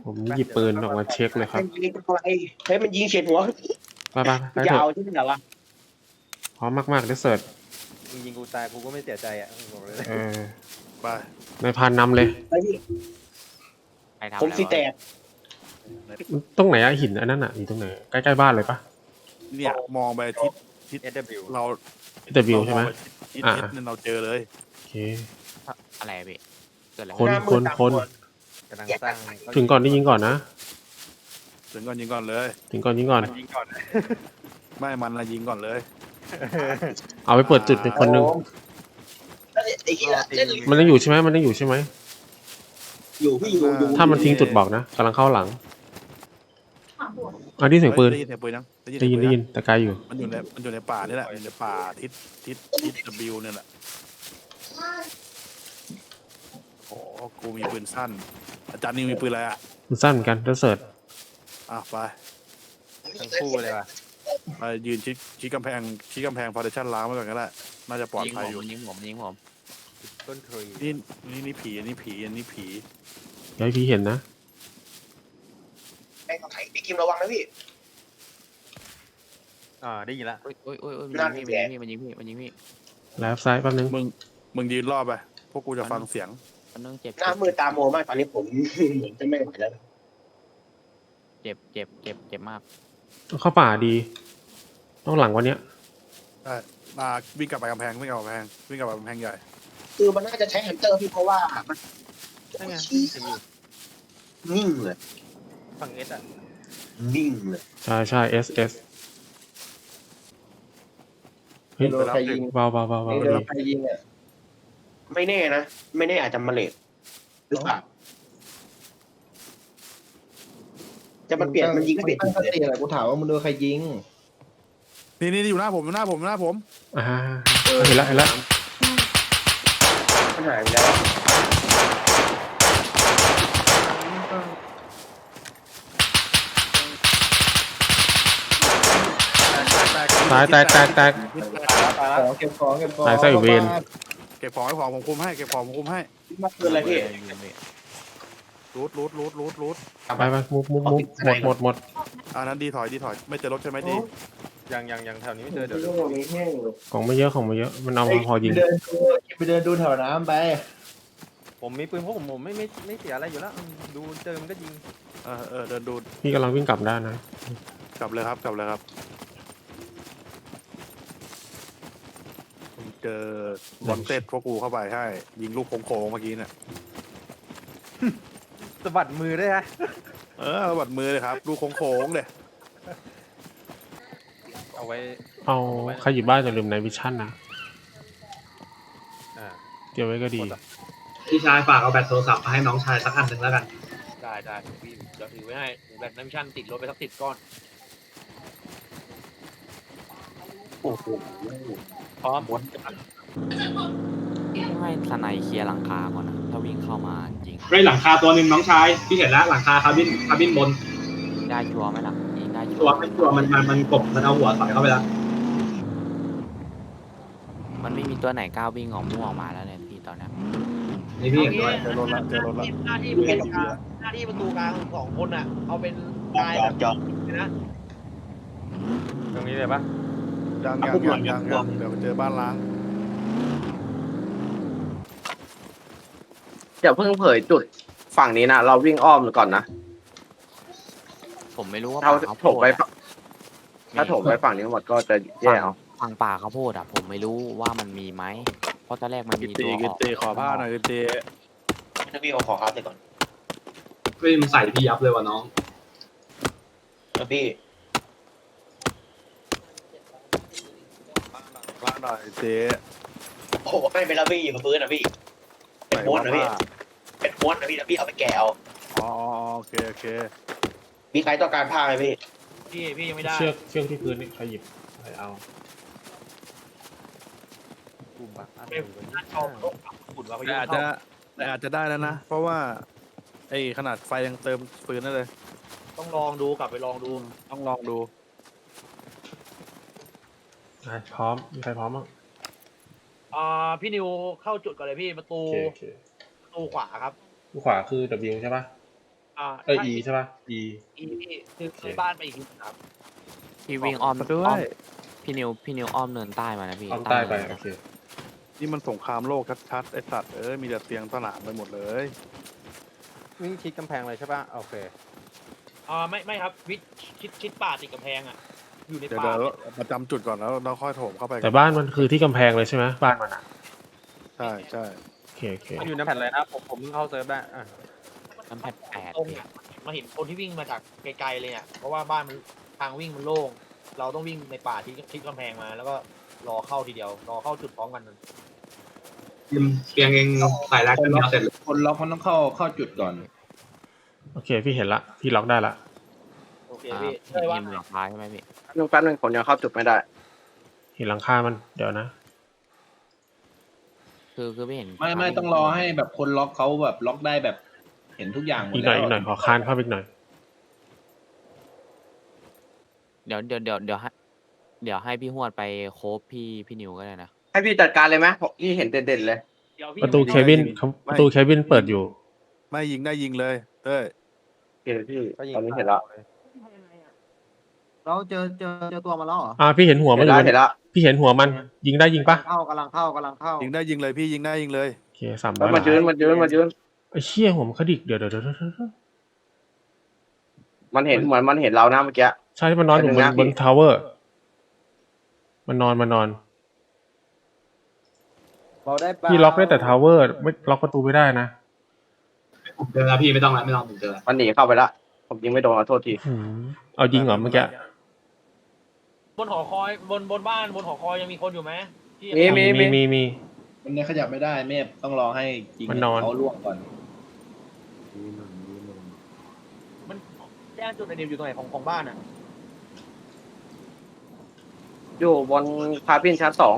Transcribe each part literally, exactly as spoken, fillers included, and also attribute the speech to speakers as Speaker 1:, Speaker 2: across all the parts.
Speaker 1: ผมหยิบปืนออกมาเช็คเลยครับ
Speaker 2: มันยิงอะไรเฮ้ยมันยิงเฉียดหัว
Speaker 1: ไปไปไปเถ
Speaker 2: ยาว
Speaker 1: อะ
Speaker 2: ใช่ไหมวะ
Speaker 1: พร้อมมากๆเดสเซิร์ต
Speaker 3: มึงยิงกูตายกูก็ไม่เสียใจอ่ะบอกเลย
Speaker 1: เออ
Speaker 4: ไป
Speaker 1: นายพานนำเลย
Speaker 2: ไปพี่
Speaker 5: ใครทำ
Speaker 2: ผม
Speaker 5: อะไร
Speaker 2: สีแต
Speaker 5: วะ
Speaker 2: ก
Speaker 1: ตรงไหนอะหินอันนั้นอะอยู่ตรงไหนใกล้ๆบ้านเลยปะ
Speaker 4: เนี่ยมองไปทิศทิศ
Speaker 3: เอสดับเบิล
Speaker 4: เรา
Speaker 1: แต่วิวใช่ไหม
Speaker 4: เรามองปทิศ
Speaker 1: อ่า
Speaker 4: ทิศเนี่ยเราเจอเลย
Speaker 1: โอเค
Speaker 5: อะไรอะพี่เกิดอะไร
Speaker 1: คน
Speaker 2: หน้ามื
Speaker 1: ค
Speaker 2: ด
Speaker 1: น
Speaker 2: ตาม
Speaker 1: คน
Speaker 2: ตัว
Speaker 3: กำลังสร้าง
Speaker 1: ถึงก่อนได้ยิงก่อนนะ
Speaker 4: ถึงก่อนยิงก่อนเลย
Speaker 1: ถึงก่อนยิงก่อน
Speaker 3: มันยิงก่อน
Speaker 4: ไม่มันละยิงก่อนเลย
Speaker 1: เอาไปเปิดจุดเป็นคนหนึ่ง
Speaker 2: แล้วไอ้เหี้ยเล่น
Speaker 1: มันยังอยู่ใช่ไหมมันยังอยู่ใช่ไหม
Speaker 2: อยู่พี่อยู่อยู่
Speaker 1: ถ้ามันทิ้งจุดบอกนะกำลังเข้าหลังอันนี้เสียงปืน
Speaker 4: ได้ยินเสียงปืนยัง
Speaker 1: ได้ยินได้ยินแต่ไกลอยู่
Speaker 4: มันอยู่ในมันอยู่ในป่านี่แหละอยู่ในป่าทิศทิศทิศ W เนี่ยแหละโอ้กูมีปืนสั้น อาจารย์นิวมีปืนอะไรอ่ะ
Speaker 1: มันสั้นเหมือนกันเดสเซิร์ต
Speaker 4: อ่ะไป
Speaker 3: ทั้งคู่เลยว่ะ
Speaker 4: ไปยืนชิดชิดกำแพงชิดกำแพงพาร์ติชันล้างไว้ก่อนก็ได้น่าจะปลอด
Speaker 5: ยิง
Speaker 4: ภัย
Speaker 5: ผ
Speaker 4: อยู่
Speaker 5: มยิงผมยิงผม
Speaker 3: ต้นทรี
Speaker 4: นี่นี่นี่ผีอันนี้ผีอันนี้ผี
Speaker 1: อย่าให้พี่เห็นนะ
Speaker 2: แม่งเอาไถพี่กิมระวังนะพี่
Speaker 3: อ่าได้ยินละ
Speaker 5: โอ้ยโอ้ยโอ้ยโอ้ย
Speaker 2: นั่
Speaker 5: มัน
Speaker 2: น
Speaker 5: ยิง
Speaker 2: แห
Speaker 5: พี่
Speaker 2: ละ
Speaker 5: มันยิงพี่มันยิงพี่มันยิงพี่
Speaker 1: แล้วซ้ายแป๊บนึง
Speaker 4: มึงมึงยืนรอบไปพวกกูจะฟังเสียง
Speaker 5: มันต้องเจ็บ
Speaker 2: หน้ามืดตาโมมากตอนนี้ผม เหมือนจะไม่ไหวแล้ว
Speaker 5: เจ็บเจ็บเจ็บเจ็บมาก
Speaker 1: ต้องเข้าป่าดี ต้องหลังวันเนี้ย
Speaker 4: มาวิ่งกลับไปกำแพงวิ่งกลับไปกำแพงวิ่งกลับไปกำแพงใหญ่
Speaker 2: คือมันน่าจะใช้ฮันเตอร์พี่เพราะว่ามัน
Speaker 3: นั่นไง
Speaker 2: ชี้
Speaker 3: จะอยู่
Speaker 2: นิ่งเลย
Speaker 3: ฝั่งเอสอ่ะ
Speaker 2: นิ่งเลย
Speaker 1: ใช่ใช่เอสเอสเฮ้ย
Speaker 2: โดนใครยิง
Speaker 1: เบาเบาเบาเบา
Speaker 2: โด
Speaker 1: ดี
Speaker 2: นใครยิงอ่ะไม่แน่นะไม่แน่อาจจะมาเลทหรือเปล่าจะมันเปลี่ยนมันยิงไม่เปลี่ยน
Speaker 6: ตั้งสติอะไรกูถามว่ามึงโดนใครยิง
Speaker 4: นี่นี่อยู่หน้าผมอยู่หน้าผมอยู่หน้าผม
Speaker 1: อ่าเห็นแล้วเห็นแล้ว
Speaker 2: มันหายไปแล้ว
Speaker 1: ตายแตกแตกแตก
Speaker 3: ตาย
Speaker 6: ข
Speaker 3: แล้ว
Speaker 6: อเก็บของเก็บของ
Speaker 1: ตายไส้เวร
Speaker 4: เก็บของให้ของผมคุมให้เก็บของผมคุมให้
Speaker 2: มาคืนอะไรพี่
Speaker 4: รูดรูดรูดรูดรูด
Speaker 1: ไปไปมุกมุกมุกหมดหมดหมด
Speaker 4: อ่านั้นดีถอยดีถอยไม่เจอรถใช่ไหมดี
Speaker 3: ยังยังยังแถวนี้ไม่เจอเดี๋ยว
Speaker 1: ของไม่เยอะของไม่เยอะมันเอาพอยิง
Speaker 6: ไปเดินดูไปเดินดูแถวน้ำไป
Speaker 3: ผมมีปืนพวกผมผมไม่ไม่ไม่เสียอะไรอยู่แล้วดูเจอมันก็ยิง
Speaker 4: เออเออเดินดู
Speaker 1: พี่กำลังวิ่งกลับด้านนะ
Speaker 4: กลับเลยครับกลับเลยครับผมเจอบอลเต็ดพวกกูเข้าไปให้ยิงลูกโค้งๆเมื่อกี้เนี่ย
Speaker 3: สะบัดมือด้วยฮะ
Speaker 4: เออบัดมือเลยครับลูกโค้งๆเลย
Speaker 3: เอาไว้
Speaker 1: เอาใครหยิบบ้านอย่าลืมในวิชั่นนะ
Speaker 3: อ่า
Speaker 1: เดี๋ยวไว้ก็ดี
Speaker 7: พี่ชายฝากเอาแบตโทรศัพท์มาให้น้องชายสักอันหนึ่งแล้วกัน
Speaker 5: ได้ได้พี่เดี๋ยวถือไว้ให้แบตน้ำชั่นติดรถไปสักติดก้อน
Speaker 2: โอ้โห
Speaker 3: พร้อม
Speaker 5: ให้สไนเคลียร์หลังคาก่อนนะถ้าวิ่งเข้ามาจริง
Speaker 7: เฮ้ยหลังคาตัวหนึ่งน้องชายพี่เห็นแล้วหลังคาคาร์บินคาร์บินบน
Speaker 5: ยิงได้ชัวร์ไหมล่ะยิงได้ชั
Speaker 7: ตัว
Speaker 5: วร์
Speaker 7: ไม่ตัวมันมันมันกบมันเอาหัวใส่เข้าไปแล้ว
Speaker 5: มันไม่มีตัวไหนกล้าวิ่งออกม่วงมาแล้วเนี่ยพี่ตอนเนี้ย
Speaker 7: นี่พี่เห็นด้วย
Speaker 4: เจอรถละเจอรถละ
Speaker 8: หน้าที่เป็นกลางหน้าที่ประตูกลางสองคนอ่ะ เอาเป็นกาย
Speaker 2: จอดจอด
Speaker 8: นะ
Speaker 3: ตรงนี้เลยปะ
Speaker 4: ยังยังยังยังยังเดี๋ยวไปเจอบ้านล้าง
Speaker 9: อย่าเพิ่งเผยจุดฝั่งนี้นะเราวิ่งอ้อมก่อนนะ
Speaker 5: ผมไม่รู้ว่า
Speaker 9: ถ้า
Speaker 5: ป่าข้าวโพ
Speaker 9: ถม
Speaker 5: ด
Speaker 9: ไป
Speaker 5: อะ
Speaker 9: ถ้าถมไปฝั่งนี้หมดก็จะแย่เอา
Speaker 5: ฝั่งป่าข้าวโพดอะผมไม่รู้ว่ามันมีไหมเพราะตอนแรกมัน
Speaker 4: กิ
Speaker 5: มี
Speaker 4: ตี
Speaker 5: ตัวอ
Speaker 4: กิ
Speaker 5: อก
Speaker 4: ตีขอผ้าหน่อยกิตี
Speaker 2: ถ้าพี่เอาขอครับไปก่อน
Speaker 7: เฮ้ยมันใส่พี่ยับเลยว่ะน้อง
Speaker 2: แล้วพี่
Speaker 4: ผ้าหน่อยเจ๊
Speaker 2: โอ้โหไม่เป็นแล้วพี่อยู่กับปืนนะพี่เป็นม้วนนะพี่เป็นม้วนนะพี่แล้วพี่เอาไปแกะเอา
Speaker 4: อ๋อโอเคโอเค
Speaker 2: มีใครต้องการผ้าไหมพี่
Speaker 8: พี่พี่ยังไม่ได้
Speaker 1: เชือกเชือกที่พื้นนี่ใครหยิบใครเอา
Speaker 3: กลุ่มอะอัน
Speaker 8: เป็นหน้าช่องขุดว่าเขา
Speaker 4: แต่
Speaker 8: ยิง
Speaker 4: อาจ
Speaker 8: เข้า
Speaker 4: จะแต่อาจจะได้แล้วนะ เพราะว่าไอ้ขนาดไฟยังเติมฟืนได้เลย
Speaker 8: ต้องลองดูกลับไปลองดู
Speaker 4: ต้องลองดู
Speaker 1: อ่ะพร้อมมีใครพร้อมบ้าง
Speaker 8: อ่าพี่นิวเข้าจุดก่อนเลยพี่ประตู
Speaker 1: โอเคโอเค
Speaker 8: ประตูขวาครับ
Speaker 1: ขวาคือ W ใช่ปะ
Speaker 5: อ่า
Speaker 1: เออ E ใช่ป่ะ E
Speaker 5: อีพี่คือคือบ้านไปอีกทีครับ
Speaker 10: พี่วิ่งอ้อม
Speaker 4: มาด้ว
Speaker 10: อ้อม
Speaker 4: ย
Speaker 10: พี่นิวพี่นิวอ้อมเนินใต้มานะพี่
Speaker 1: อ้อมใต้ไป
Speaker 10: เนิน
Speaker 1: โอเค
Speaker 4: นี่มันสงครามโลกชัดๆไอสัตว์เอ้ยมีแต่เตียงสนามไปหมดเลย
Speaker 3: วิ่งชิดกำแพงเลยใช่ป่ะโอเค
Speaker 5: อ่าไม่ไม่ครับวิทชิดชิดป่าติดกำแพงอ่ะอยู่ใน
Speaker 4: เดี๋ยว
Speaker 5: ป่า
Speaker 4: เดี๋ยวประจำจุดก่อนแล้วเราค่อยโถมเข้าไป
Speaker 1: แต่บ้านมันคือที่กำแพงเลยใช่ไหมบ้านมันอ่ะ
Speaker 4: ใช่ใช่
Speaker 1: โอเคโอเค
Speaker 3: มันอยู่ในแผ่นเลยนะผมผมเพิ่งเข้าเซิร์ฟได้อ่ะ
Speaker 10: น้ำแพดแปด
Speaker 5: ตรง
Speaker 10: พี่
Speaker 5: เนี่ยมาเห็นคนที่วิ่งมาจากไกลๆเลยเนี่ยเพราะว่าบ้านมันทางวิ่งมันโล่งเราต้องวิ่งในป่าที่ชิดกำแพงมาแล้วก็รอเข้าทีเดียวรอเข้าจุดพร้อมกัน
Speaker 7: เตียงเองใส่แรกกันแล้วเสร็จเลย
Speaker 6: คนล็อกมันต้องเข้าเข้าจุดก่อน
Speaker 1: โอเคพี่เห็นละพี่ล็อกได้ละ
Speaker 5: โอเค
Speaker 10: อ่า
Speaker 5: พี่
Speaker 10: พี่
Speaker 5: ใช่ว่า
Speaker 10: นิวหลังท้ายใช่ไหมพี่
Speaker 9: นึงแป๊บนึงผมยังเข้าจุดไม่ได้
Speaker 1: เห็นหลังคามันเดี๋ยวนะ
Speaker 10: คือคือพี่เห็น
Speaker 6: ไม่ไม่ต้องรอให้แบบคนล็อกเขาแบบล็อกได้แบบ เห็นทุกอย่างหมด
Speaker 1: อีกหน่
Speaker 6: แล้
Speaker 1: อยว อีกหน่อยขอคานเข้าไปอีกหน่อย
Speaker 10: เดี๋ยวเดี๋ยวเดี๋ยวเดี๋ยวให้เดี๋ยวให้พี่หวดไปโคบพี่พี่นิวก็ได้นะ
Speaker 9: ให้พี่จัดการเลยไหมผมพี่เห็นเด่นๆเลย
Speaker 5: เดี๋ยวพี่
Speaker 1: ประตูเคบินประตูเคบินเปิดอยู่
Speaker 4: ไม่ยิงได้ยิงเลยเต้ย
Speaker 9: โอเคพี่
Speaker 3: ก็ยิง
Speaker 9: ตอนนี้เห็นแล้ว
Speaker 8: เราเจอเจอเจอตัวมาแล้วเหรอ
Speaker 1: อ่าพี่เห็นหัวมั
Speaker 9: เห็
Speaker 1: น
Speaker 9: น
Speaker 1: อยู่
Speaker 9: แล้วเห็นแล้ว
Speaker 1: พี่เห็นหัวมันยิงได้ยิงปะ
Speaker 8: เข้ากำลังเข้ากำลังเข้า
Speaker 4: ยิงได้ยิงเลยพี่ยิงได้ยิงเลย
Speaker 1: โอเคสามร้
Speaker 9: แล้
Speaker 1: อ
Speaker 9: วย มันยืนมันยืนมันยืน
Speaker 1: ไอ้เชี่ยหัวมันขดิกเดี๋ยวเดี๋ยวเดี๋ยวเดี๋ยวเดี๋ยว
Speaker 9: มันเห็นเหมือนมันเห็นเรานะเมื่อกี้
Speaker 1: ใช่มันนอนอยู่บน
Speaker 9: เดี๋ยวนะ
Speaker 1: บนทาวเวอร์มันนอนมันนอน
Speaker 8: เราได้ปลา
Speaker 1: พี่ล็อกได้แต่ทาวเวอร์ไม่ล็อกประตูไม่ได้นะ
Speaker 7: ผมเจอแล้วพี่ไม่ต้องแล้วไม่ต้องผมเจอแล้ว
Speaker 9: มันหนีเข้าไปละผมยิงไม่โดนขอโทษที
Speaker 1: หืมเอายิงเหรอเมื่อกี้
Speaker 5: บนหอคอยบนบนบ้านบนหอคอยยังมีคนอยู่ไหมที่
Speaker 9: มีมี
Speaker 1: มีมีมี
Speaker 6: มันเนี่ยขยับไม่ได้เมฟต้องรอให้ยิง
Speaker 1: มันนอน
Speaker 6: เขาล่วงก่อน
Speaker 5: มันแจ้งจุดในเดียวอยู่ตรงไหนของของบ้านอ่ะ
Speaker 9: อยู่บนคาบินชั้นสอง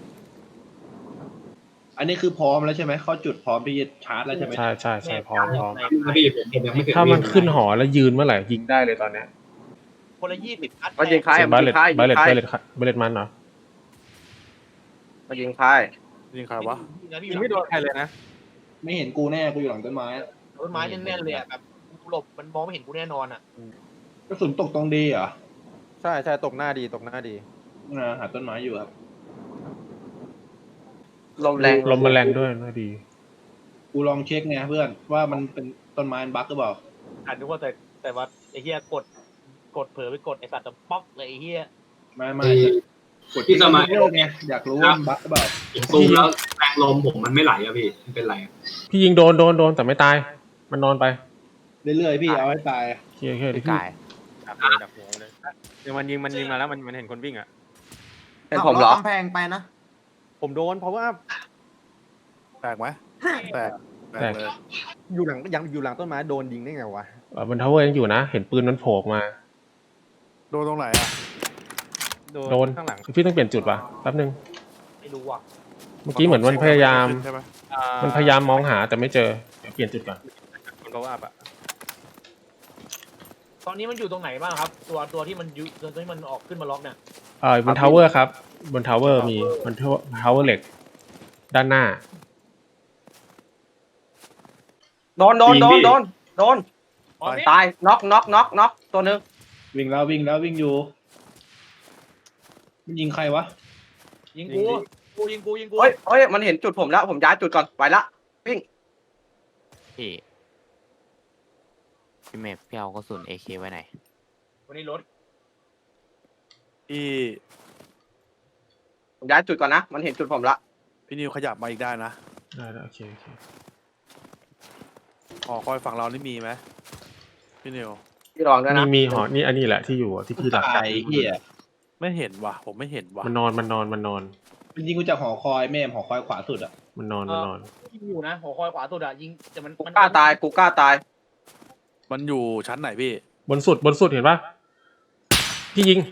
Speaker 6: อันนี้คือพร้อมแล้วใช่ไหมเข้าจุดพร้อมที่จะชาร์จแล้วใช่ไหม
Speaker 1: ใช่ใช่ใช่พร้อมพร้อม
Speaker 7: นะพี่ผมผมยังไม่เคย
Speaker 1: ถ้ามันขึ้นหอแล้วยืนเมื่อไหร่ยิงได้เลยตอนเนี้ย
Speaker 5: คนละยี่สิบนัด
Speaker 9: มันยิงคล้าย
Speaker 1: เสีย
Speaker 9: มั
Speaker 1: บาน เล
Speaker 9: ยิ
Speaker 1: ต
Speaker 9: งคล้าย
Speaker 1: บาเลต
Speaker 9: ยิงคล้าย
Speaker 1: บาเลตบาเลตมันเหรอ
Speaker 9: มันยิงคล้าย
Speaker 4: ยิงใครวะ
Speaker 5: พี่
Speaker 3: ยิงไม่โดนใครเลยนะ
Speaker 6: ไม่เห็นกูแน่กูอยู่หลังต้นไม้
Speaker 5: ต้นไม้แน่นๆเลยอ่ะแบบกูหลบมันมองไม่เห็นกูแน่นอนอ่ะ
Speaker 6: กระสุนตกตรงดีเหรอ
Speaker 3: ใช่ใช่ตกหน้าดีตกหน้าดี
Speaker 6: นะหาต้นไม้อยู่ครับ
Speaker 9: ลมแรง
Speaker 1: ลมมันแรงด้วยน่าดี
Speaker 6: กูลองเช็คไงเพื่อนว่ามันเป็นต้นไม้บั๊กหรือเปล่า
Speaker 5: อ่านดูว่าแต่แต่ว่าไอ้เฮียกดกดเผลอไปกดไอ้สัตว์จะป๊อกเลยไอ้เฮีย
Speaker 6: ไม่ไม่
Speaker 7: กดที่สมัย
Speaker 6: เลิกไงอยากรู้ว่ามันบั๊กหรือเปล่า
Speaker 7: ผมซูมแล้วแรงลมผมมันไม่ไหลอะพี่มันเป็นไรอะ
Speaker 1: พี่ยิงโดนโดนโดนแต่ไม่ตาย มันนอนไป
Speaker 6: เรื่อยๆพี่เอาให้ตาย
Speaker 1: โอเคโอเคเดี๋ยว
Speaker 10: พี่
Speaker 1: พี่
Speaker 10: กาย
Speaker 3: ดับเลยดับหัวเลยเดี๋ยวมันยิงมันยิงมาแล้วมันมันเห็นคนวิ่งอ่ะ
Speaker 9: เป็นผมเหรอ
Speaker 8: กำแพงไปนะ
Speaker 3: ผมโดนเพราะว่า
Speaker 4: แตกไหมแตกแตกเลย
Speaker 3: อยู่หลังยังอยู่หลังต้นไม้โดนยิงได้ไงวะ
Speaker 1: เอ่อบนทาวเวอร์ยังอยู่นะ เห็นปืนมันโผล่ออกมา
Speaker 4: โดนตรงไหนอ่ะ
Speaker 1: โดน
Speaker 3: ข้างหลัง
Speaker 1: พี่ต้องเปลี่ยนจุดว่ะแป๊บนึง
Speaker 5: ไม่รู้ว่ะ
Speaker 1: เมื่อกี้เหมือนมันพยายาม
Speaker 4: ใช่ไหม
Speaker 1: มันพยายามมองหาแต่ไม่เจอเดี๋ยวเปลี่ยนจุดก่อน
Speaker 3: คนเขาว่าปะ
Speaker 5: ตอนนี้มันอยู่ตรงไหนบ้างครับ ตัวตัวที่มันยุตัวที่มันออกขึ้นมาล็อกเนี่ย
Speaker 1: เออบนทาวเวอร์ครับ บนทาวเวอร์มีบนทาวเวอร์เหล็ก ด้านหน้า
Speaker 9: โดนโดนโดนโดนโดน
Speaker 5: อ๋อนี่
Speaker 9: ตายน็อกน็อกน็อกน็อกตัวหนึง
Speaker 6: วิ่งแล้ววิ่งแล้ววิ่งอยู่มันยิงใครวะ
Speaker 5: ยิงกูกูยิงกูยิงกู
Speaker 9: เฮ้ยเฮ้ยมันเห็นจุดผมแล้วผมย้ายจุดก่อนไปละวิ่ง
Speaker 10: พี่พี่เมฟพี่เอากระสุนเอเคไว้ไหน
Speaker 5: วันนี้รถ
Speaker 4: พี่
Speaker 9: ผมย้ายจุดก่อนนะมันเห็นจุดผมละ
Speaker 4: พี่นิวขยับมาอีกได้นะ
Speaker 1: ได้แล้วโอเคโอเค
Speaker 4: หอคอยฝั่งเรานี่มีไหมพี่นิว
Speaker 9: พี่ลองด้วย
Speaker 1: มี
Speaker 9: นะ
Speaker 1: มีหอนี่อันนี้แหละที่อยู่อะที่พี่หลัก
Speaker 6: ตายเฮีย
Speaker 4: ไม่เห็นว่ะผมไม่เห็นว่ะ
Speaker 1: มันนอนมันนอนมันนอน
Speaker 6: มันยิงกูจากหอคอยแม่มหอคอยขวาสุดอ่ะ
Speaker 1: มันนอนมันนอน
Speaker 5: ยิงอยู่นะหัวคอยขวาสุดอะยิงแต่มัน
Speaker 9: กู
Speaker 5: มัน
Speaker 9: กล้าตายกูกล้าตาย
Speaker 4: มันอยู่ชั้นไหนพี่
Speaker 1: บนสุดบนสุดเห็นปะพี่ยิง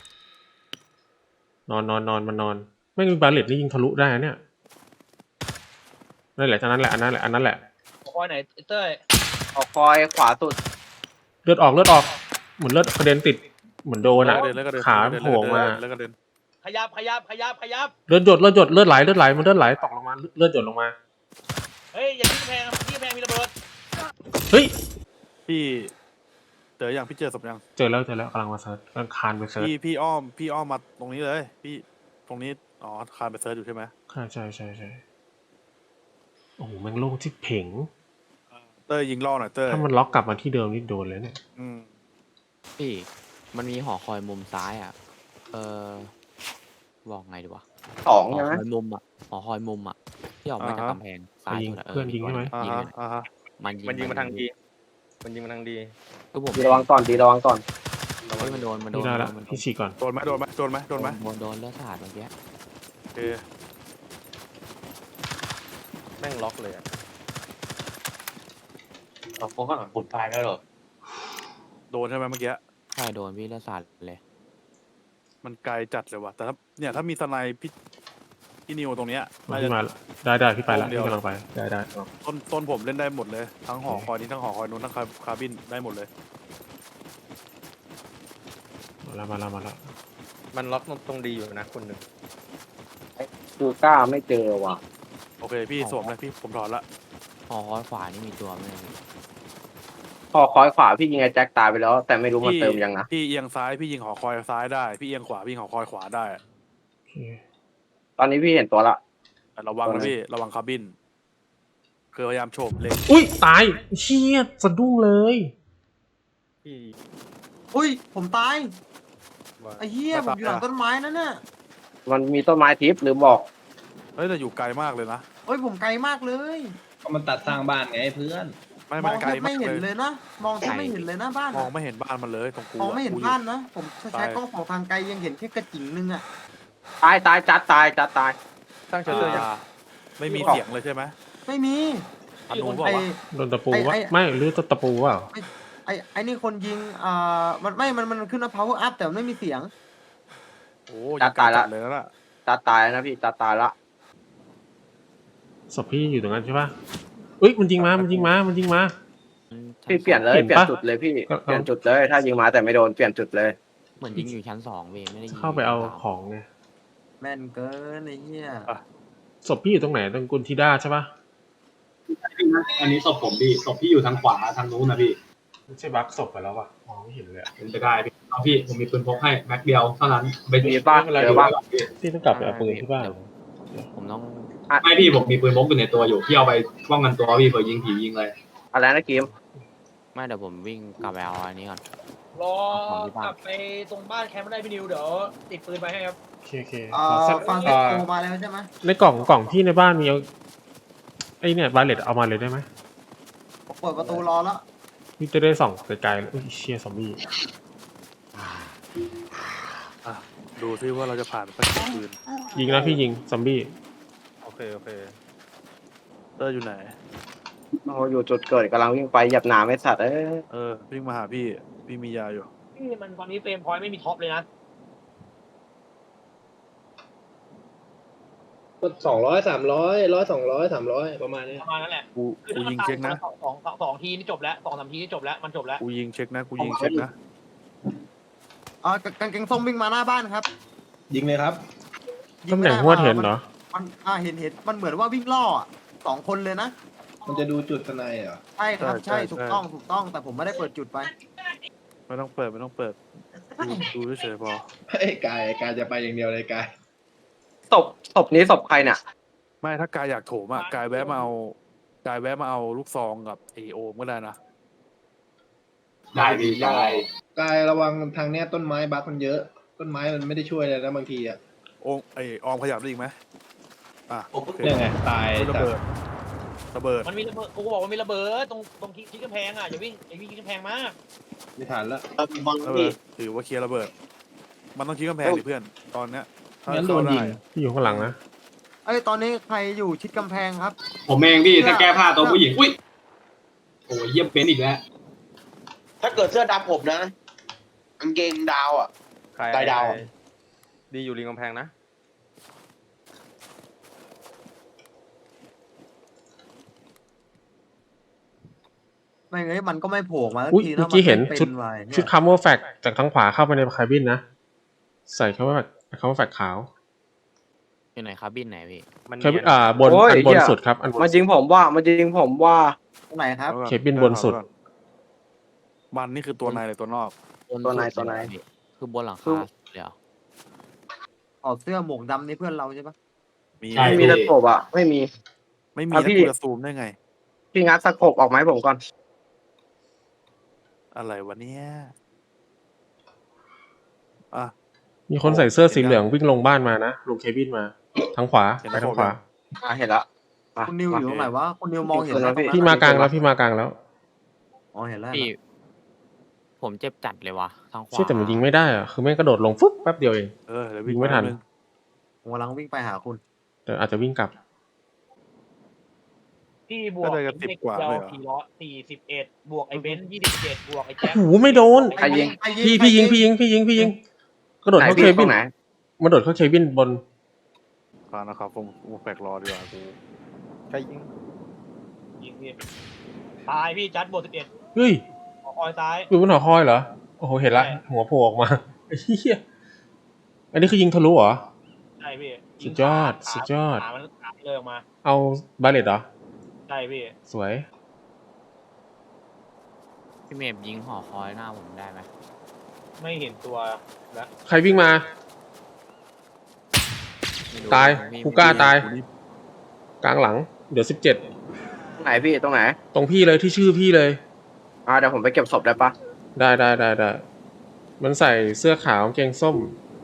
Speaker 1: นอนนอนนอนมันนอน ไม่มีบาเลตนี่ยิงทะลุได้นะเนี่ยนั่นแหละอันนั้นแหละอันนั้นแหละอันนั้นแหละ
Speaker 5: หัวคอยไหนเต้ย
Speaker 9: ออกคอยขวาสุด
Speaker 1: เลือดออกเลือดออกเหมือนเลือดกระเด็นติดเหมือนโดนอ่ะ
Speaker 4: เดินแล้วก็เดิน
Speaker 1: ขาโผล่มา
Speaker 4: แล้วก็เดิน
Speaker 5: ขยับขยับขยับขยับ
Speaker 1: เลือดหยดเลือดหยดเลือดไหลเลือดไหลมันเลือดไหลตกลงมาเลือดหยดลงมา
Speaker 5: เฮ้ยอย่าทิ้งแพงนะทิ้งแพงมีระเบิด
Speaker 1: เฮ้ย
Speaker 4: พี่เจออย่างพี่เจอศพยัง
Speaker 1: เจอแล้วเจอแล้วกำลังมาเซิร์ชกำลังคานไปเซิร์ช
Speaker 4: พี่พี่อ้อมพี่อ้อมมาตรงนี้เลย พี่ตรงนี้อ๋อคานไปเซิร์ชอยู่ใช่ไหม
Speaker 1: ใช่ใช่ใช่ใช่โอ้โหแม่งโล่งที่เพ่ง
Speaker 4: เต้ยยิงล่อหน่อยเต้ย
Speaker 1: ถ้ามันล็อกกลับมาที่เดิมนี่โดนเลยเนี่ย
Speaker 4: อืม
Speaker 10: พี่มันมีหอคอยมุมซ้ายอ่ะ เออบอกไงดีวะ
Speaker 9: สอง
Speaker 10: หอ
Speaker 9: ใช่ไหม
Speaker 10: คอยมุมอ่ะหอคอยมุมอ่ะที่ออกมาจากกำแพงซ้าย
Speaker 1: ยิง
Speaker 10: สุดะ
Speaker 1: เพื่อนยิงใช่ไหม
Speaker 4: อ่า
Speaker 10: ยิง
Speaker 4: ฮะ
Speaker 10: เลย
Speaker 4: อ่าฮะ
Speaker 10: มันยิง
Speaker 3: มันยิงมาทางดีมันยิงมาทางดี
Speaker 10: ก็ผม
Speaker 9: ดีระวังก่อนดีระวังก่อน
Speaker 10: เฮ้ยมันโดนมันโด
Speaker 1: นี่
Speaker 10: น
Speaker 1: ได้ละ
Speaker 10: มันโดน
Speaker 1: พี่ฉีกก่อน
Speaker 4: โดนไหมโดนไหมโดนไหมโดนไหม
Speaker 10: โดนโดนเลือดสาดเมื่อกี้
Speaker 4: โอเค
Speaker 3: แม่งล็อกเลยอะ
Speaker 2: เราโค้งข้างหลังปุ่นตายแล้วเหรอ
Speaker 4: โดนใช่ไหมเมื่อกี้
Speaker 10: ใช่โดนพี่เลือดสาดเลย
Speaker 4: มันไกลจัดเลยว่ะแต่ถ้าเนี่ยถ้ามีสไนป์พี่พี่นิวตรงเนี้ย
Speaker 1: มา
Speaker 4: น่า
Speaker 1: พี่
Speaker 4: จะ
Speaker 1: มาละได้ได้พี่ไปละ
Speaker 4: เดี๋ยว
Speaker 1: พี่กำลังไปได้ได้
Speaker 4: ต้นต้นผมเล่นได้หมดเลย ทั้งหอคอยนี้ทั้งหอคอยนู้นทั้งคาคาบินได้หมดเลย
Speaker 1: มาละมาละมาละ
Speaker 3: มันล็อกตรงดีอยู่นะคนหนึ่ง
Speaker 9: กูกล้าไม่เจอว่ะ
Speaker 4: โอเคพี่สวมเลยพี่ผมถอนละ
Speaker 10: หอคอยขวานี่มีตัวไหมพี่
Speaker 9: พอคอยขวาพี่ยิงไอ้แจ็คตายไปแล้ว แต่ไม่รู้มันเติมยังนะ
Speaker 4: พี่เอียงซ้ายพี่ยิงหอคอยซ้ายได้พี่เอียงขวาพี่ยิงหอคอยขวาได้
Speaker 1: โอเค
Speaker 9: ตอนนี้พี่เห็นตัวละ
Speaker 4: แต่ระวังนะพี่ระวังคาบินคือพยายามโฉบเล็ง
Speaker 1: อุ้ยตายเชี่ยสะดุ้งเลย
Speaker 3: ที่
Speaker 8: อุ้ยผมตาย
Speaker 3: ว่า
Speaker 8: ไอ้เหี้ยผมอยู่หลังต้นไม้นั่นน่ะ
Speaker 9: มันมีต้นไม้ทิพย์หรือบอก
Speaker 4: เฮ้ยแต่อยู่ไกลมากเลยนะ
Speaker 8: เฮ้ยผมไกลมากเลย
Speaker 6: ก็มันตัดสร้างบ้านไงเพื่อน
Speaker 4: ไม่
Speaker 8: ม
Speaker 4: ไม่
Speaker 8: อง
Speaker 4: ไกล
Speaker 8: แทบ
Speaker 4: มา
Speaker 8: ไม่
Speaker 4: ก
Speaker 8: เห็น
Speaker 4: เล
Speaker 8: เลย ยนะมองแทบไม่เห็นเลยนะบ้าน
Speaker 4: มอง
Speaker 8: อะ
Speaker 4: ไม่เห็นบ้านมันเลยตรงกู
Speaker 8: มองไม่เห็น
Speaker 4: กูยู่
Speaker 8: บ้านนะผมใช้
Speaker 4: ตาย
Speaker 8: กล้องของทางไกลยังเห็นแค่กระจิ๋งนึงอ่ะ
Speaker 9: ตายตายจัดตายจัดตาย
Speaker 3: สร้างเชลเตอร์ยัง
Speaker 4: อ่าไม่มีเสียงเลยใช่ไหม
Speaker 8: ไม่มี
Speaker 4: อนุบอก
Speaker 8: ไอ้
Speaker 4: ว่า
Speaker 1: โดนตะปู
Speaker 8: ไอ้
Speaker 1: วะ
Speaker 8: ไอ้
Speaker 1: ไม่หรือตะปูวะ
Speaker 8: ไอ้ไอ้นี่คนยิงอ่ามันไม่มันมันขึ้นว่า power up แต่มันไม่มีเสียง
Speaker 4: โอ้ยิงไกลจัดเลยนะ
Speaker 9: จัดตายแล้วนะพี่จัดตายละ
Speaker 1: ศพพี่อยู่ตรงนั้นใช่ปะอุ้ยมันยิงมามันยิงมามันยิงมา
Speaker 9: พี่เปลี่ยนเลย
Speaker 1: เห็น
Speaker 9: เปลี่ย
Speaker 1: ปะ
Speaker 9: นจุดเลยพี่
Speaker 1: ก็
Speaker 9: เปลี่ยนจุดเลย ถ้ายิงมาแต่ไม่โดนเปลี่ยนจุดเลย
Speaker 10: เหมือนยิงอยู่ชั้นสองเว้ยไม่ได้ยิง
Speaker 1: เข้าไปเอา
Speaker 10: ชั้นสม
Speaker 1: ของไง
Speaker 8: แม่นเกินไอ้เหี้ย
Speaker 1: ศพพี่อยู่ตรงไหนตรงกุนทิด้าใช่ปะ
Speaker 7: อันนี้ศพผมพี่ศพพี่อยู่ทางขวาทางนู้นนะพี่
Speaker 1: ไม่ใช่บั๊กศพไปแล้ววะมองไม่เห็นเลยอะ
Speaker 7: เป็นไปได้พี่เอาพี่ผมมีปืนพกให้แม็กเดียวเท่านั้นไป
Speaker 9: มีบ้างเจอบ้าง
Speaker 1: พี่ต้องกลับไปเอาปืนที่บ้าน
Speaker 10: ผมต้อง
Speaker 7: ไม่พี่ผมมีปืนพกอยู่ในตัวอยู่พี่เอาไปป้องกันตัวพี่เผื่อยิงผียิงเลย
Speaker 9: อะไรนะกิม
Speaker 10: ไม่เดี๋ยวผมวิ่งกลับไปเอาอันนี้ก่อน
Speaker 5: รอกลับไปตรงบ้านแคมป์ได้พี่นิวเดี๋ยวติดปืนไปให้ครับ
Speaker 1: โอเคโอเค
Speaker 8: อ่า
Speaker 1: ขอสัก
Speaker 8: ฟังเซ
Speaker 1: อ่า
Speaker 8: โตมาแล้วใช่ไหม
Speaker 1: ในกล่องกล่องพี่ในบ้านมีเอาไอเนี่ยบาเลตเอามาเลยได้ไหม
Speaker 8: ผมเปิดประตูรอแล้ว
Speaker 1: พี่จะได้ส่องไกลๆเลยอุ้ยเชียซอมบี้
Speaker 4: อ่ะดูซิว่าเราจะผ่านไปกี่คืน
Speaker 1: ยิงนะพี่ยิงซอมบี้
Speaker 3: โอเคโอเค
Speaker 4: เตอร์อยู่ไหน
Speaker 9: โอ้อยู่จุดเกิดกำลังวิ่งไปเหยับหนาไม่สัตว์เอ้ย
Speaker 4: เออวิ่งมาหาพี่พี่มียาอยู่
Speaker 5: พี่มันตอนนี้เฟรมพอยต์ไม่มีท็อปเลยนะ
Speaker 6: สองร้อยสามร้อยร้อยสองร้อยสามร้อยประมาณนี้
Speaker 5: ประมาณนั้นแหละ
Speaker 4: กู
Speaker 5: คือ
Speaker 4: กู
Speaker 5: ถ้ามัน
Speaker 4: ยิง
Speaker 5: ตาย
Speaker 4: เช็คนะ
Speaker 5: สองสองสองสองทีนี่จบแล้วสองสามทีนี่จบแล้วมันจบแล้ว
Speaker 4: กูยิงเช็คนะกูยิงเช็คนะ
Speaker 8: อ่ากางเกงส้มวิ่งมาหน้าบ้านครับ
Speaker 6: ยิงเลยครับ
Speaker 1: ตำแหน่งหัวเห็นเหรอ
Speaker 8: มันอ่าเห็นเห็นมันเหมือนว่าวิ่งล่ออะสองคนเลยนะ
Speaker 6: มันจะดูจุดสไนเหรอ
Speaker 8: ใช่ครับใช่ถูกต้องถูกต้องแต่ผมไม่ได้เปิดจุดไป
Speaker 4: ไม่ต้องเปิดไม่ต้องเปิดดูดูเฉยๆพอ
Speaker 6: เฮ้ยกายกายจะไปอย่างเดียวเลยกาย
Speaker 9: ศพศพนี้ศพใครเนี่ย
Speaker 4: ไม่ถ้ากายอยากโถมอ่ะกายแวะมาเอากายแวะมาเอาลูกซองกับเอโอมก็ได้นะ
Speaker 7: ได้พี่ได้
Speaker 6: กายระวังทางเนี้ยต้นไม้บักมันเยอะ ต้นไม้มันไม่ได้ช่วยเลยนะบางทีอ่ะ
Speaker 4: โอมไอออมขยับได้อีกไหมอ่ะโอเค
Speaker 6: เนี่ยไงตาย
Speaker 4: ระเบิดระเบิด
Speaker 5: มันมีระเบิดกูบอกว่ามีระเบิดตรงตรงที่กำแพงอ่ะอย่าวิ่งอย่าวิ่งที่กำแพงมาก
Speaker 6: ไม่ทันแล้ว
Speaker 2: เออบัง
Speaker 4: ระเบิ
Speaker 2: พี่
Speaker 4: ดถือว่าเคลียร์ระเบิด มันต้องชี้กำแพงดิเพื่อนตอนเนี้ยถ้า
Speaker 6: งั้นโดนยิง
Speaker 4: เข้าไ
Speaker 1: พี่อยู่ข้างหลังนะ
Speaker 8: เอ้ยตอนนี้ใครอยู่ชิดกำแพงครับ
Speaker 7: ผมเองพี่จะแก้ผ้าตัวผู้หญิงอุ้ยโอ้ยเยี่ยมเป็นอีกแล้ว
Speaker 2: ถ้าเกิดเสื้อดำผมนะกางเกงดาวอ่ะ
Speaker 3: ใคร
Speaker 2: ไกลดาว
Speaker 3: ดีอยู่ริมกำแพงนะ
Speaker 8: ไม่งั้นมันก็ไม่โผล่มาสัก
Speaker 1: อุ้ย
Speaker 8: ที
Speaker 1: เมื่
Speaker 8: นะ
Speaker 1: อกี้เห็น
Speaker 8: มั
Speaker 1: ชุด
Speaker 8: ป็ไว้เนี่ย
Speaker 1: ชุดคาร์โมแฟกจากทางขวาเข้าไปในคาบินนะ ใส่คาร์โมแฟกคาร์โมแฟกขาว
Speaker 10: อยู่ไหนครับบินไหนพี่
Speaker 3: มัน
Speaker 1: เคบิ
Speaker 3: เนี
Speaker 1: น
Speaker 3: ยน
Speaker 1: อ่าบน
Speaker 9: โอ้ย
Speaker 1: อันบน
Speaker 9: เหี้ย
Speaker 1: สุดครับอันบน
Speaker 9: มายิงผมว่ามายิงผมว่า
Speaker 8: ตรงไหนครับ
Speaker 4: อาก่อน
Speaker 1: เคบินบนสุด
Speaker 4: อาก่อนมันนี่คือตัวในหรือตัวนอก
Speaker 10: บน
Speaker 9: ตัวใน
Speaker 10: สุด
Speaker 9: ตัวใน
Speaker 10: เลยพี่คือบนหลัง
Speaker 9: คื
Speaker 10: คา
Speaker 9: อ
Speaker 10: เดี๋ยว
Speaker 8: ถอดเสื้อหมวกดำนี่เพื่อนเราใช่ปะ
Speaker 4: มี
Speaker 7: ใช่
Speaker 9: ไม่มีตะกบอ่ะไม่มี
Speaker 4: ไม่มี
Speaker 9: อ่ะ
Speaker 4: แล้ว
Speaker 9: พี่
Speaker 4: กูจะซูมได้ไง
Speaker 9: พี่งัดสะกบออกไหมาให้ผมก่อน
Speaker 4: อะไรวะเนี่ยอ่ะ
Speaker 1: มีคนใส่เสื้อสีเหลืองวิ่งลงบ้านมานะลงเคบินมาทางขวา
Speaker 4: เห็น
Speaker 1: ไป
Speaker 4: แล้ว
Speaker 1: ทางขวา
Speaker 9: อ่ะเห็นละมา
Speaker 8: คุณนิวอยู่ตรงไหนวะคุณนิวมองเห็น
Speaker 9: เห็น
Speaker 8: ไหม
Speaker 9: แล้วพี่
Speaker 8: ตรงนั้น
Speaker 1: พี่มากลางแล้วพี่มากลางแล้ว
Speaker 8: อ๋อเห็นแล้ว
Speaker 10: พี่ผมเจ็บจัดเลยวะทางขวา
Speaker 1: เชื่อแต่มันยิงไม่ได้อะคือแม่งกระโดดลงฟึ๊บแป๊บเดียวเอง
Speaker 4: เออเดี๋ยววิ่ง
Speaker 1: ยิงไม่ทัน
Speaker 4: แป๊บนึง
Speaker 8: ผมกำลังวิ่งไปหาคุณ
Speaker 1: แต่อาจจะวิ่งกลับ
Speaker 5: พี่บวก
Speaker 4: ก็เลยกับสิบกว่า
Speaker 5: เดี
Speaker 4: เลยเหรอ
Speaker 5: สี่ร้อยสี่สิบเอ็ดบวกไอ้เบนซ์ยี่สิบเจ็ดบวกไอ้แจ็ค
Speaker 1: โอ้โหไม่โดน
Speaker 9: ใครยิง
Speaker 1: พี่พี่ยิงพี่ยิงพี่ยิงพี่ยิงกระโดด
Speaker 9: ไหน
Speaker 1: เข้า
Speaker 9: พี่
Speaker 1: เค
Speaker 9: ต
Speaker 1: บิ
Speaker 9: ร
Speaker 1: น
Speaker 9: งไหน
Speaker 1: มาโดดเข้าเคบินบน
Speaker 4: ฟังนะครับผมผมแปลกรอดีกว่ากู
Speaker 3: ใครยิง
Speaker 5: ยิงพี่ตายพี่จัดบวกสิบเอ็ด
Speaker 1: เฮ้ย
Speaker 5: คอยซ้าย
Speaker 1: อยู่บนหอคอยเหรอโอ้โหเห็นละ
Speaker 5: ใช่
Speaker 1: หัวโผล่ออกมาไอ้เหี้ยอันนี้คือยิงทะลุเหรอ
Speaker 5: ใช่พี่
Speaker 1: สุดยอด
Speaker 5: ขา
Speaker 1: สุดยอด
Speaker 5: ขามันขาเลยออกมา
Speaker 1: เอาบาเลตเหรอ
Speaker 5: ใช่พี่
Speaker 1: สวย
Speaker 10: พี่เมฟยิงหอคอยหน้าผมได้ไหม
Speaker 5: ไม่เห็นตัวแล้ว
Speaker 1: ใครวิ่งมา
Speaker 10: ไม่รู้
Speaker 1: ตาย
Speaker 10: พี่
Speaker 1: กูกล้าตาย
Speaker 4: กูนี่
Speaker 1: กลางหลัง เดี๋ยวสิบเจ็ด
Speaker 9: ตรงไหนพี่ตรงไหน
Speaker 1: ตรงพี่เลยที่ชื่อพี่เลย
Speaker 9: อ่าเดี๋ยวผมไปเก็บศพได้ปะ
Speaker 1: ได้ได้ได้ได้มันใส่เสื้อขาวกางเกงส้ม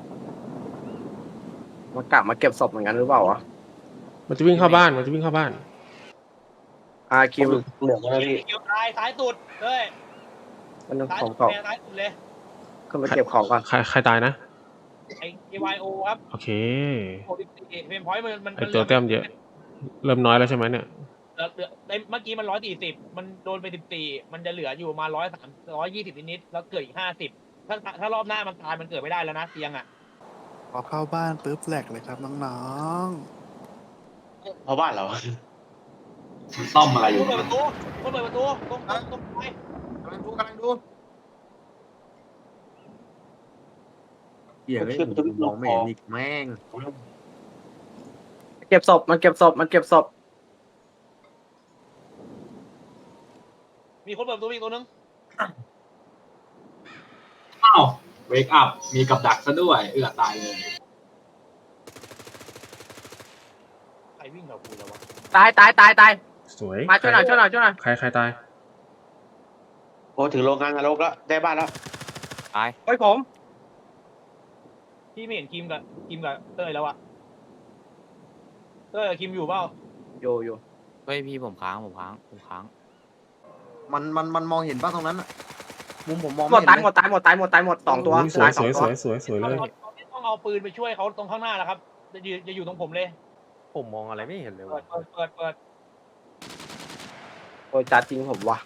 Speaker 9: มันกลับมาเก็บศพเหมือนกันหรือเปล่าวะ
Speaker 1: มันจะวิ่งเข้าบ้านมันจะวิ่งเข้าบ้าน
Speaker 9: อ่าคิวเหลืองแล้วพี่
Speaker 5: เกี่ยวตายซ้ายสุดเลย
Speaker 9: มันนึง
Speaker 5: ซ้าย
Speaker 9: ผ
Speaker 5: สุ
Speaker 9: ม
Speaker 5: ด
Speaker 9: ก็
Speaker 5: แม่ซ้ายสุดเลย
Speaker 9: ขึ้นไปเก็บของก่อน
Speaker 1: ใครใครตายนะ
Speaker 5: ไอ้ เอ วาย โอ ครับ
Speaker 1: โอเค
Speaker 5: โอดิเฟนพอยต์มันมัน
Speaker 1: ไอตัวแต้มเยอะ เริ่มน้อยแล้วใช่ไหมเนี่ย
Speaker 5: เหลือเหลือไอ้เมื่อกี้มันร้อยสี่สิบมันโดนไปสิบสี่มันจะเหลืออยู่ประมาร้อยสามร้อยยี่สิบนิดๆแล้วเกิดอีกห้าสิบถ้าถ้ารอบหน้ามันตายมันเกิดไม่ได้แล้วนะเตียงอ่ะ
Speaker 4: พอเข้าบ้านปุ๊บแหลกเลยครับน้อง
Speaker 2: เพราะบ้านเรา
Speaker 7: ซ่อมอะไรอยู่
Speaker 5: เปิดประตูเปิดประตูตรงตรงตรงไป
Speaker 8: กำลังดูกำลังดูเหี้ยเอ้ยมองไม่เห็นอีกแม่ง
Speaker 9: เก็บศพมันเก็บศพมันเก็บศพ
Speaker 5: มีคนเปิดประตูอีกตัวนึง
Speaker 7: อ้าวเวกอัพมีกับดักซะด้วยเอือตายเลย
Speaker 5: ใครวิ่งกับกูแล้ววะ
Speaker 9: ตายตายตายตาย
Speaker 1: สวย
Speaker 9: มาช่วยหน่อยช่วยหน่อยช่วยหน่อย
Speaker 1: ใครใครตาย
Speaker 2: โอ้ถึงโรงงานนรกแล้วได้บ้านแล้ว
Speaker 10: ตาย
Speaker 9: เฮ้ยผม
Speaker 5: พี่ไม่เห็นคิมกับคิมกับเต้ยแล้วอะเต้ยกับคิมอยู่เปล่า
Speaker 9: โยโย่
Speaker 10: เฮ้ยพี่ผมค้างผมค้างผมค้าง
Speaker 8: มันมันมันมองเห็นป่ะตรงนั้นอะมุมผมมอง
Speaker 9: หม
Speaker 8: ไม่
Speaker 9: ด
Speaker 8: เห็น
Speaker 9: ตาย
Speaker 8: เลย
Speaker 9: หมดตายหมดตายหมดตายหมดสองตัว
Speaker 1: อุ๊ยสวย
Speaker 9: ตาย
Speaker 1: ส
Speaker 9: สอง
Speaker 1: วย
Speaker 9: ตั
Speaker 1: ส
Speaker 9: ว
Speaker 1: วยสวยสวยเลย
Speaker 5: ตอนนี้ต้องเอาปืนไปช่วยเขาตรงข้างหน้าแล้วครับจะอยู่จะอยู่ตรงผมเลย
Speaker 3: ผมมองอะไรไม่เห็นเลย
Speaker 5: เปิ
Speaker 3: วะ
Speaker 5: ดเปิดเปิดเปิด
Speaker 9: โอ้ยจัดจริงผมว่ะ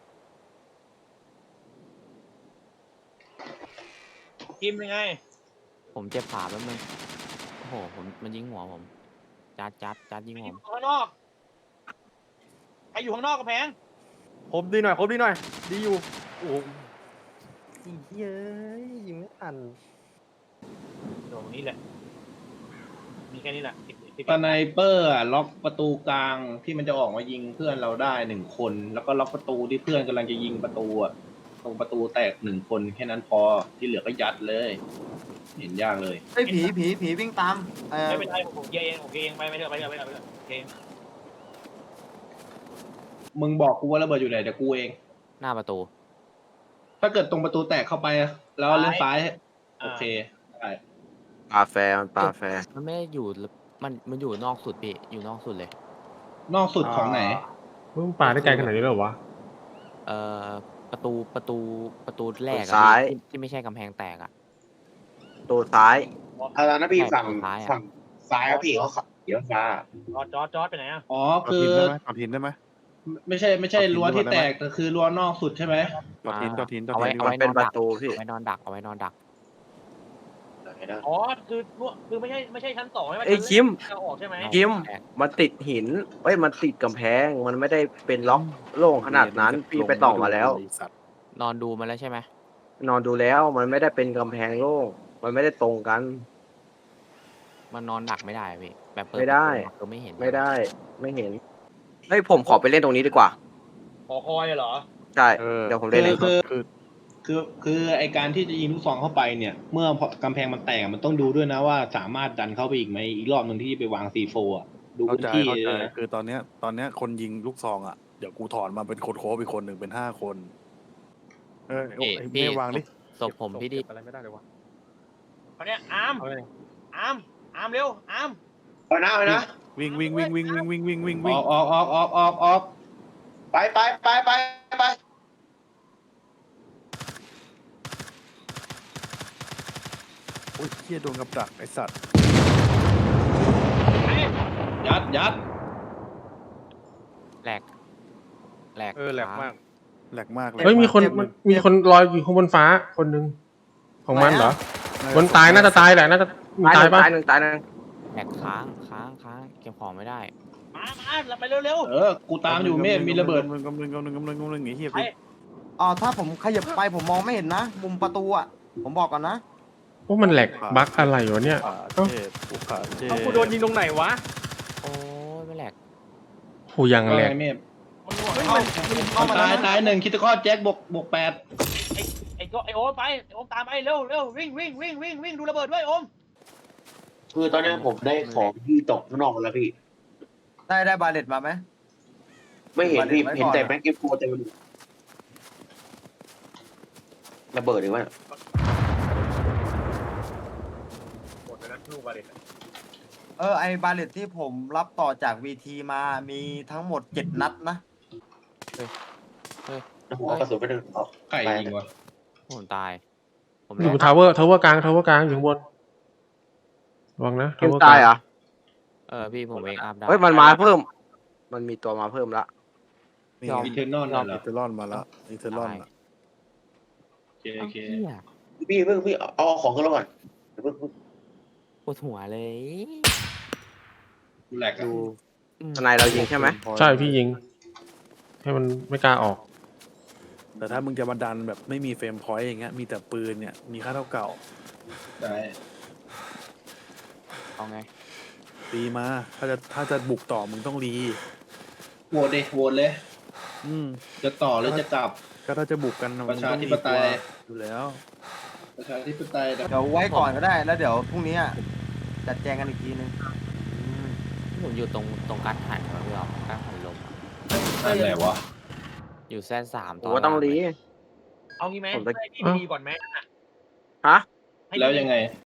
Speaker 5: คิมยังไง
Speaker 10: ผมเจ็บขาแป๊บนึงโอ้โหผมมันยิงหัวผมจัดจัดจัดยิง
Speaker 5: อ
Speaker 10: ผ
Speaker 5: ยู่
Speaker 10: ม
Speaker 5: ข้างนอกใครอยู่ข้างนอกกระแพง
Speaker 3: ครบดีหน่อยครบดีหน่อย ดีอยู่โอ้โหอีเย้ยยิงไม่ทัน
Speaker 5: ตรงนี้แหละมีแค่นี้แหละสิบสิบ
Speaker 6: สไนเปอร์อะล็อกประตูกลางที่มันจะออกมายิงเพื่อนเราได้หนึ่งคน แล้วก็ล็อกประตูที่เพื่อนกำลังจะยิงประตูอะตรงประตูแตกหนึ่งคนแค่นั้นพอที่เหลือก็ยัดเลย เห็นยากเลย
Speaker 8: เฮ้ยผีผีผีวิ่งตามเออ
Speaker 5: ไม่เป็นไรผมเคลียร์เองผมเคลียร์เองไปไปเถอะไปเถอะไปเถอะไปเถอะโอเค
Speaker 6: มึงบอกกูว่าระเบิดอยู่ไหนเดี๋ยวกูเอง
Speaker 10: หน้าประตู
Speaker 6: ถ้าเกิดตรงประตูแตกเข้าไปแล้วเลี้ยวซ้ายโอเคได้
Speaker 9: ปลาแฟร์มันปลาแฟร์
Speaker 10: มันไม่ได้อยู่มันมันอยู่นอกสุดพี่อยู่นอกสุดเลย
Speaker 6: นอกสุดของไหน
Speaker 1: มึงปาได้ไกลขนาดนี้เลยเหรอวะ
Speaker 10: เอ่อประตูประตูประตูแรกอะ
Speaker 9: ซ้าย
Speaker 10: ที่ที่ไม่ใช่กำแพงแตกอะ
Speaker 9: ตัวซ้าย
Speaker 2: เอาแล้วนะพี่ฝั่ง
Speaker 10: ซ้ายอะ
Speaker 2: ฝั่งซ้ายครับพี่เขาขับเดี๋ยวฟ้า
Speaker 5: จอดจอดจอดไปไหนอ่ะ
Speaker 6: อ๋อ
Speaker 4: ๆ
Speaker 6: คือ
Speaker 4: ต่อทินได้ไหม
Speaker 6: ไม่ใช่ไม่ใช่รั้วที่แตกแต่คือรั้วนอกสุดใช่ไหม
Speaker 4: ต่อทินต่อทินต่อ
Speaker 10: เอา
Speaker 4: ทิ
Speaker 10: ไว้
Speaker 4: น
Speaker 10: เอา
Speaker 9: มัน
Speaker 10: ไว้
Speaker 9: เป็น
Speaker 10: นอน
Speaker 9: ประ
Speaker 10: ดัก
Speaker 9: ตูพี่
Speaker 10: เอาไว้นอนดักเอาไว้นอนดัก
Speaker 5: อ๋อคือคือไม่ใช่ไม่ใช่ชั้นสองใช่ไหม
Speaker 9: เอ้ยคิม
Speaker 5: จะออกใช่ไหม
Speaker 9: คิมมันติดหินเอ้ยมันติดกำแพงมันไม่ได้เป็นล็อกโล่งขนาดนั้นพี่ไปต่อมาแล้ว
Speaker 4: ไอ้สัตว์
Speaker 10: นอนดูมาแล้วใช่ไหม
Speaker 9: นอนดูแล้วมันไม่ได้เป็นกำแพงโล่งมันไม่ได้ตรงกัน
Speaker 10: มันนอนดักไม่ได้อะพี่แบบเปิด
Speaker 9: ไม่ได้
Speaker 10: ก็ไม่เห็น
Speaker 9: ไม่ได้ไม่เห็นเฮ้ยผมขอไปเล่นตรงนี้ดีกว่า
Speaker 5: ขอคอยเหรอ
Speaker 9: ใช่
Speaker 4: เออ
Speaker 9: เดี๋ยวผมเล่นเอง
Speaker 6: คือ
Speaker 4: คือ
Speaker 6: คือคือไอการที่จะยิงลูกซองเข้าไปเนี่ย เมื่อกำแพงมันแตกมันต้องดูด้วยนะว่าสามารถดันเข้าไปอีกไหมอีกรอบหนึ่งที่ไปวางซีโฟอ่ะดู
Speaker 4: เข้า
Speaker 6: พื้น
Speaker 4: ใจ
Speaker 6: ที่
Speaker 4: เข้าใจ
Speaker 6: ด้วยนะ
Speaker 4: คือตอนเนี้ยตอนเนี้ยคนยิงลูกซองอ่ะเดี๋ยวกูถอนมาเป็นคนโค้ชอีกคนหนึ่งเป็นห้าคนเออไอ้
Speaker 10: เอ๊ะ
Speaker 4: ไอ้
Speaker 10: พี่
Speaker 4: ไม่วางดิ
Speaker 10: ศพผมพี่ดิ
Speaker 3: เก็บอะไรไม่ได้เลยวะ
Speaker 5: เขาเนี่ยอาร์ม
Speaker 3: เอาเลย
Speaker 5: อาร์มอาร์มเร็วอาร์ม
Speaker 2: เอานะเอานะ
Speaker 4: วิ่งวิ่งวิ่งวิ่งวิ่งวิ่งวิ่งวิ่ง
Speaker 6: อ
Speaker 4: วิ่ง
Speaker 6: อกออกออกออกออกออก
Speaker 2: ไปไปไปไปไป
Speaker 4: โอ้ยเฮียโดนกับดักไอสัตว์
Speaker 6: ยัดยัด
Speaker 10: แหลกแหลก
Speaker 3: เออแหลกมาก
Speaker 4: แหลกมากเลย
Speaker 1: เฮ้ยมีคนมันมีคนลอยอยู่ข้างบนฟ้าคนหนึ่งของมันเหรอ
Speaker 4: น่า
Speaker 1: บนตายน่าจะตายแหละน่าจะมี
Speaker 9: ตายห
Speaker 1: ตาย
Speaker 9: นึ่ง
Speaker 1: ปะ
Speaker 9: ตายหนึ่งตายหนึ่ง
Speaker 10: แหลกค้างค้างค้างเก็บของไม่ได้
Speaker 5: มามาเราไปเร็ว
Speaker 6: เออกูตามอยู่เมฆมีระเบิด
Speaker 4: กำลังกำลังกำลังกำลังกำลังไอ้เฮีย
Speaker 5: ๆไป
Speaker 4: พี่
Speaker 8: อ๋อถ้าผมขยับไปผมมองไม่เห็นนะ มุมประตูอ่ะ ผมบอกก่อนนะ
Speaker 1: โอ้มันแหลกบั๊กอะไรวะเนี่ย
Speaker 4: ขา
Speaker 1: เอ้า
Speaker 4: เจ็บกูขาเจ็บ
Speaker 3: เอากูโดนยิงตรงไหนวะ
Speaker 10: โอ้ยไม่แหลก
Speaker 1: โหยังแหลก
Speaker 6: เมฆ
Speaker 5: มันหัว
Speaker 8: เฮ้ย
Speaker 5: เข้า
Speaker 8: มันเข้ามา
Speaker 6: ตาย
Speaker 8: แล้ว
Speaker 6: ตายหนึ่งคิดตะก้อแจ็คบวกบวกแปด
Speaker 5: ไอ้ก็ไอ้โอมไปไอ้โอมตามไปเร็วเร็ววิ่งวิ่งวิ่งวิ่งวิ่งดูระเบิดด้วยโอม
Speaker 2: คือตอนนี้ผมได้ของที่ตกข้างนอกแล้วพี่
Speaker 8: ได้ได้บาเลตมาไหม
Speaker 2: ไม่เห็นพี่
Speaker 8: ไว้ก่อน
Speaker 2: เห็นแต่แม็กเก็ตโฟเต็มไปหมดระเบิดหรือว่า
Speaker 3: หมดไปแล้วลูกบาเลต
Speaker 8: เออไอบาเลตที่ผมรับต่อจากวีทีมามีทั้งหมดเจ็ดนัดนะ
Speaker 2: หัวกระสุนไปหนึ่งออก
Speaker 6: ไก่ยิงวะ
Speaker 10: ผมตาย ผม
Speaker 1: อยู่บ
Speaker 10: แหล
Speaker 1: น
Speaker 10: ก
Speaker 1: ทาวเวอร์ทาวเวอร์กลางทาวเวอร์กลางอยู่ข้างบนระวังนะ
Speaker 9: เกม
Speaker 1: วอร์
Speaker 9: ตายเหรอ
Speaker 10: เออพี่ผมเวกอัพได้
Speaker 9: เฮ้ยมันมาเพิ่ม มันมีตัวมาเพิ่มละ
Speaker 4: นี่
Speaker 6: อีเทอร์นอลนั่นเหร
Speaker 4: อี
Speaker 6: อ
Speaker 4: เทอร์ลอนมาละอีเทอร์ลอนละ
Speaker 6: โอเคโอเค
Speaker 10: เหี้ย
Speaker 2: พี่เพิ่งพี่เอาเอาของขึ้นรถก่อนเดี๋ยวเพิ่งเพิ่ง
Speaker 10: ปวดหัวเลย
Speaker 6: กูแหลกอะ
Speaker 4: ดู
Speaker 10: อืม
Speaker 9: ทนายเรายิงใช่ไหม
Speaker 1: ใช่พี่ยิง ให้มันไม่กล้าออก
Speaker 4: แต่ถ้ามึงจะมาดันแบบไม่มีเฟรมพอยต์อย่างเงี้ยมีแต่ปืนเนี่ยมีค่าเท่าเก่า
Speaker 6: ได้
Speaker 10: เอาไง
Speaker 4: รีมาถ้าจะถ้าจะบุกต่อมึงต้องรี
Speaker 6: โหวตเลยโหวตเลย
Speaker 4: อืม
Speaker 6: จะต่อหรือจะกลับ
Speaker 4: ก็ถ้าจะบุกกันมึง
Speaker 6: ประชา
Speaker 4: ต้อง
Speaker 6: ธิ
Speaker 4: มี
Speaker 6: ปไต
Speaker 4: ตัวย อยู่แล้ว
Speaker 6: ประชาธิปไตยแต่
Speaker 8: เดี๋ยวไว้ก่อนก็ได้แล้วเดี๋ยวพรุ่งนี้อะจัดแจงกันอีกทีนึง
Speaker 10: ผมอยู่ตรงตรงกัดหันครับพี่อ๋อกัดหันลมอะ
Speaker 6: นั่นแหละวะ
Speaker 10: อยู่แซนสาม
Speaker 9: ผมว่าต้องรี
Speaker 5: เอางี้ไหม
Speaker 9: ผมจะ
Speaker 5: ให้พี่ไปดีก่อนไหม
Speaker 9: ฮะ
Speaker 5: ให้
Speaker 6: แล้วยังไง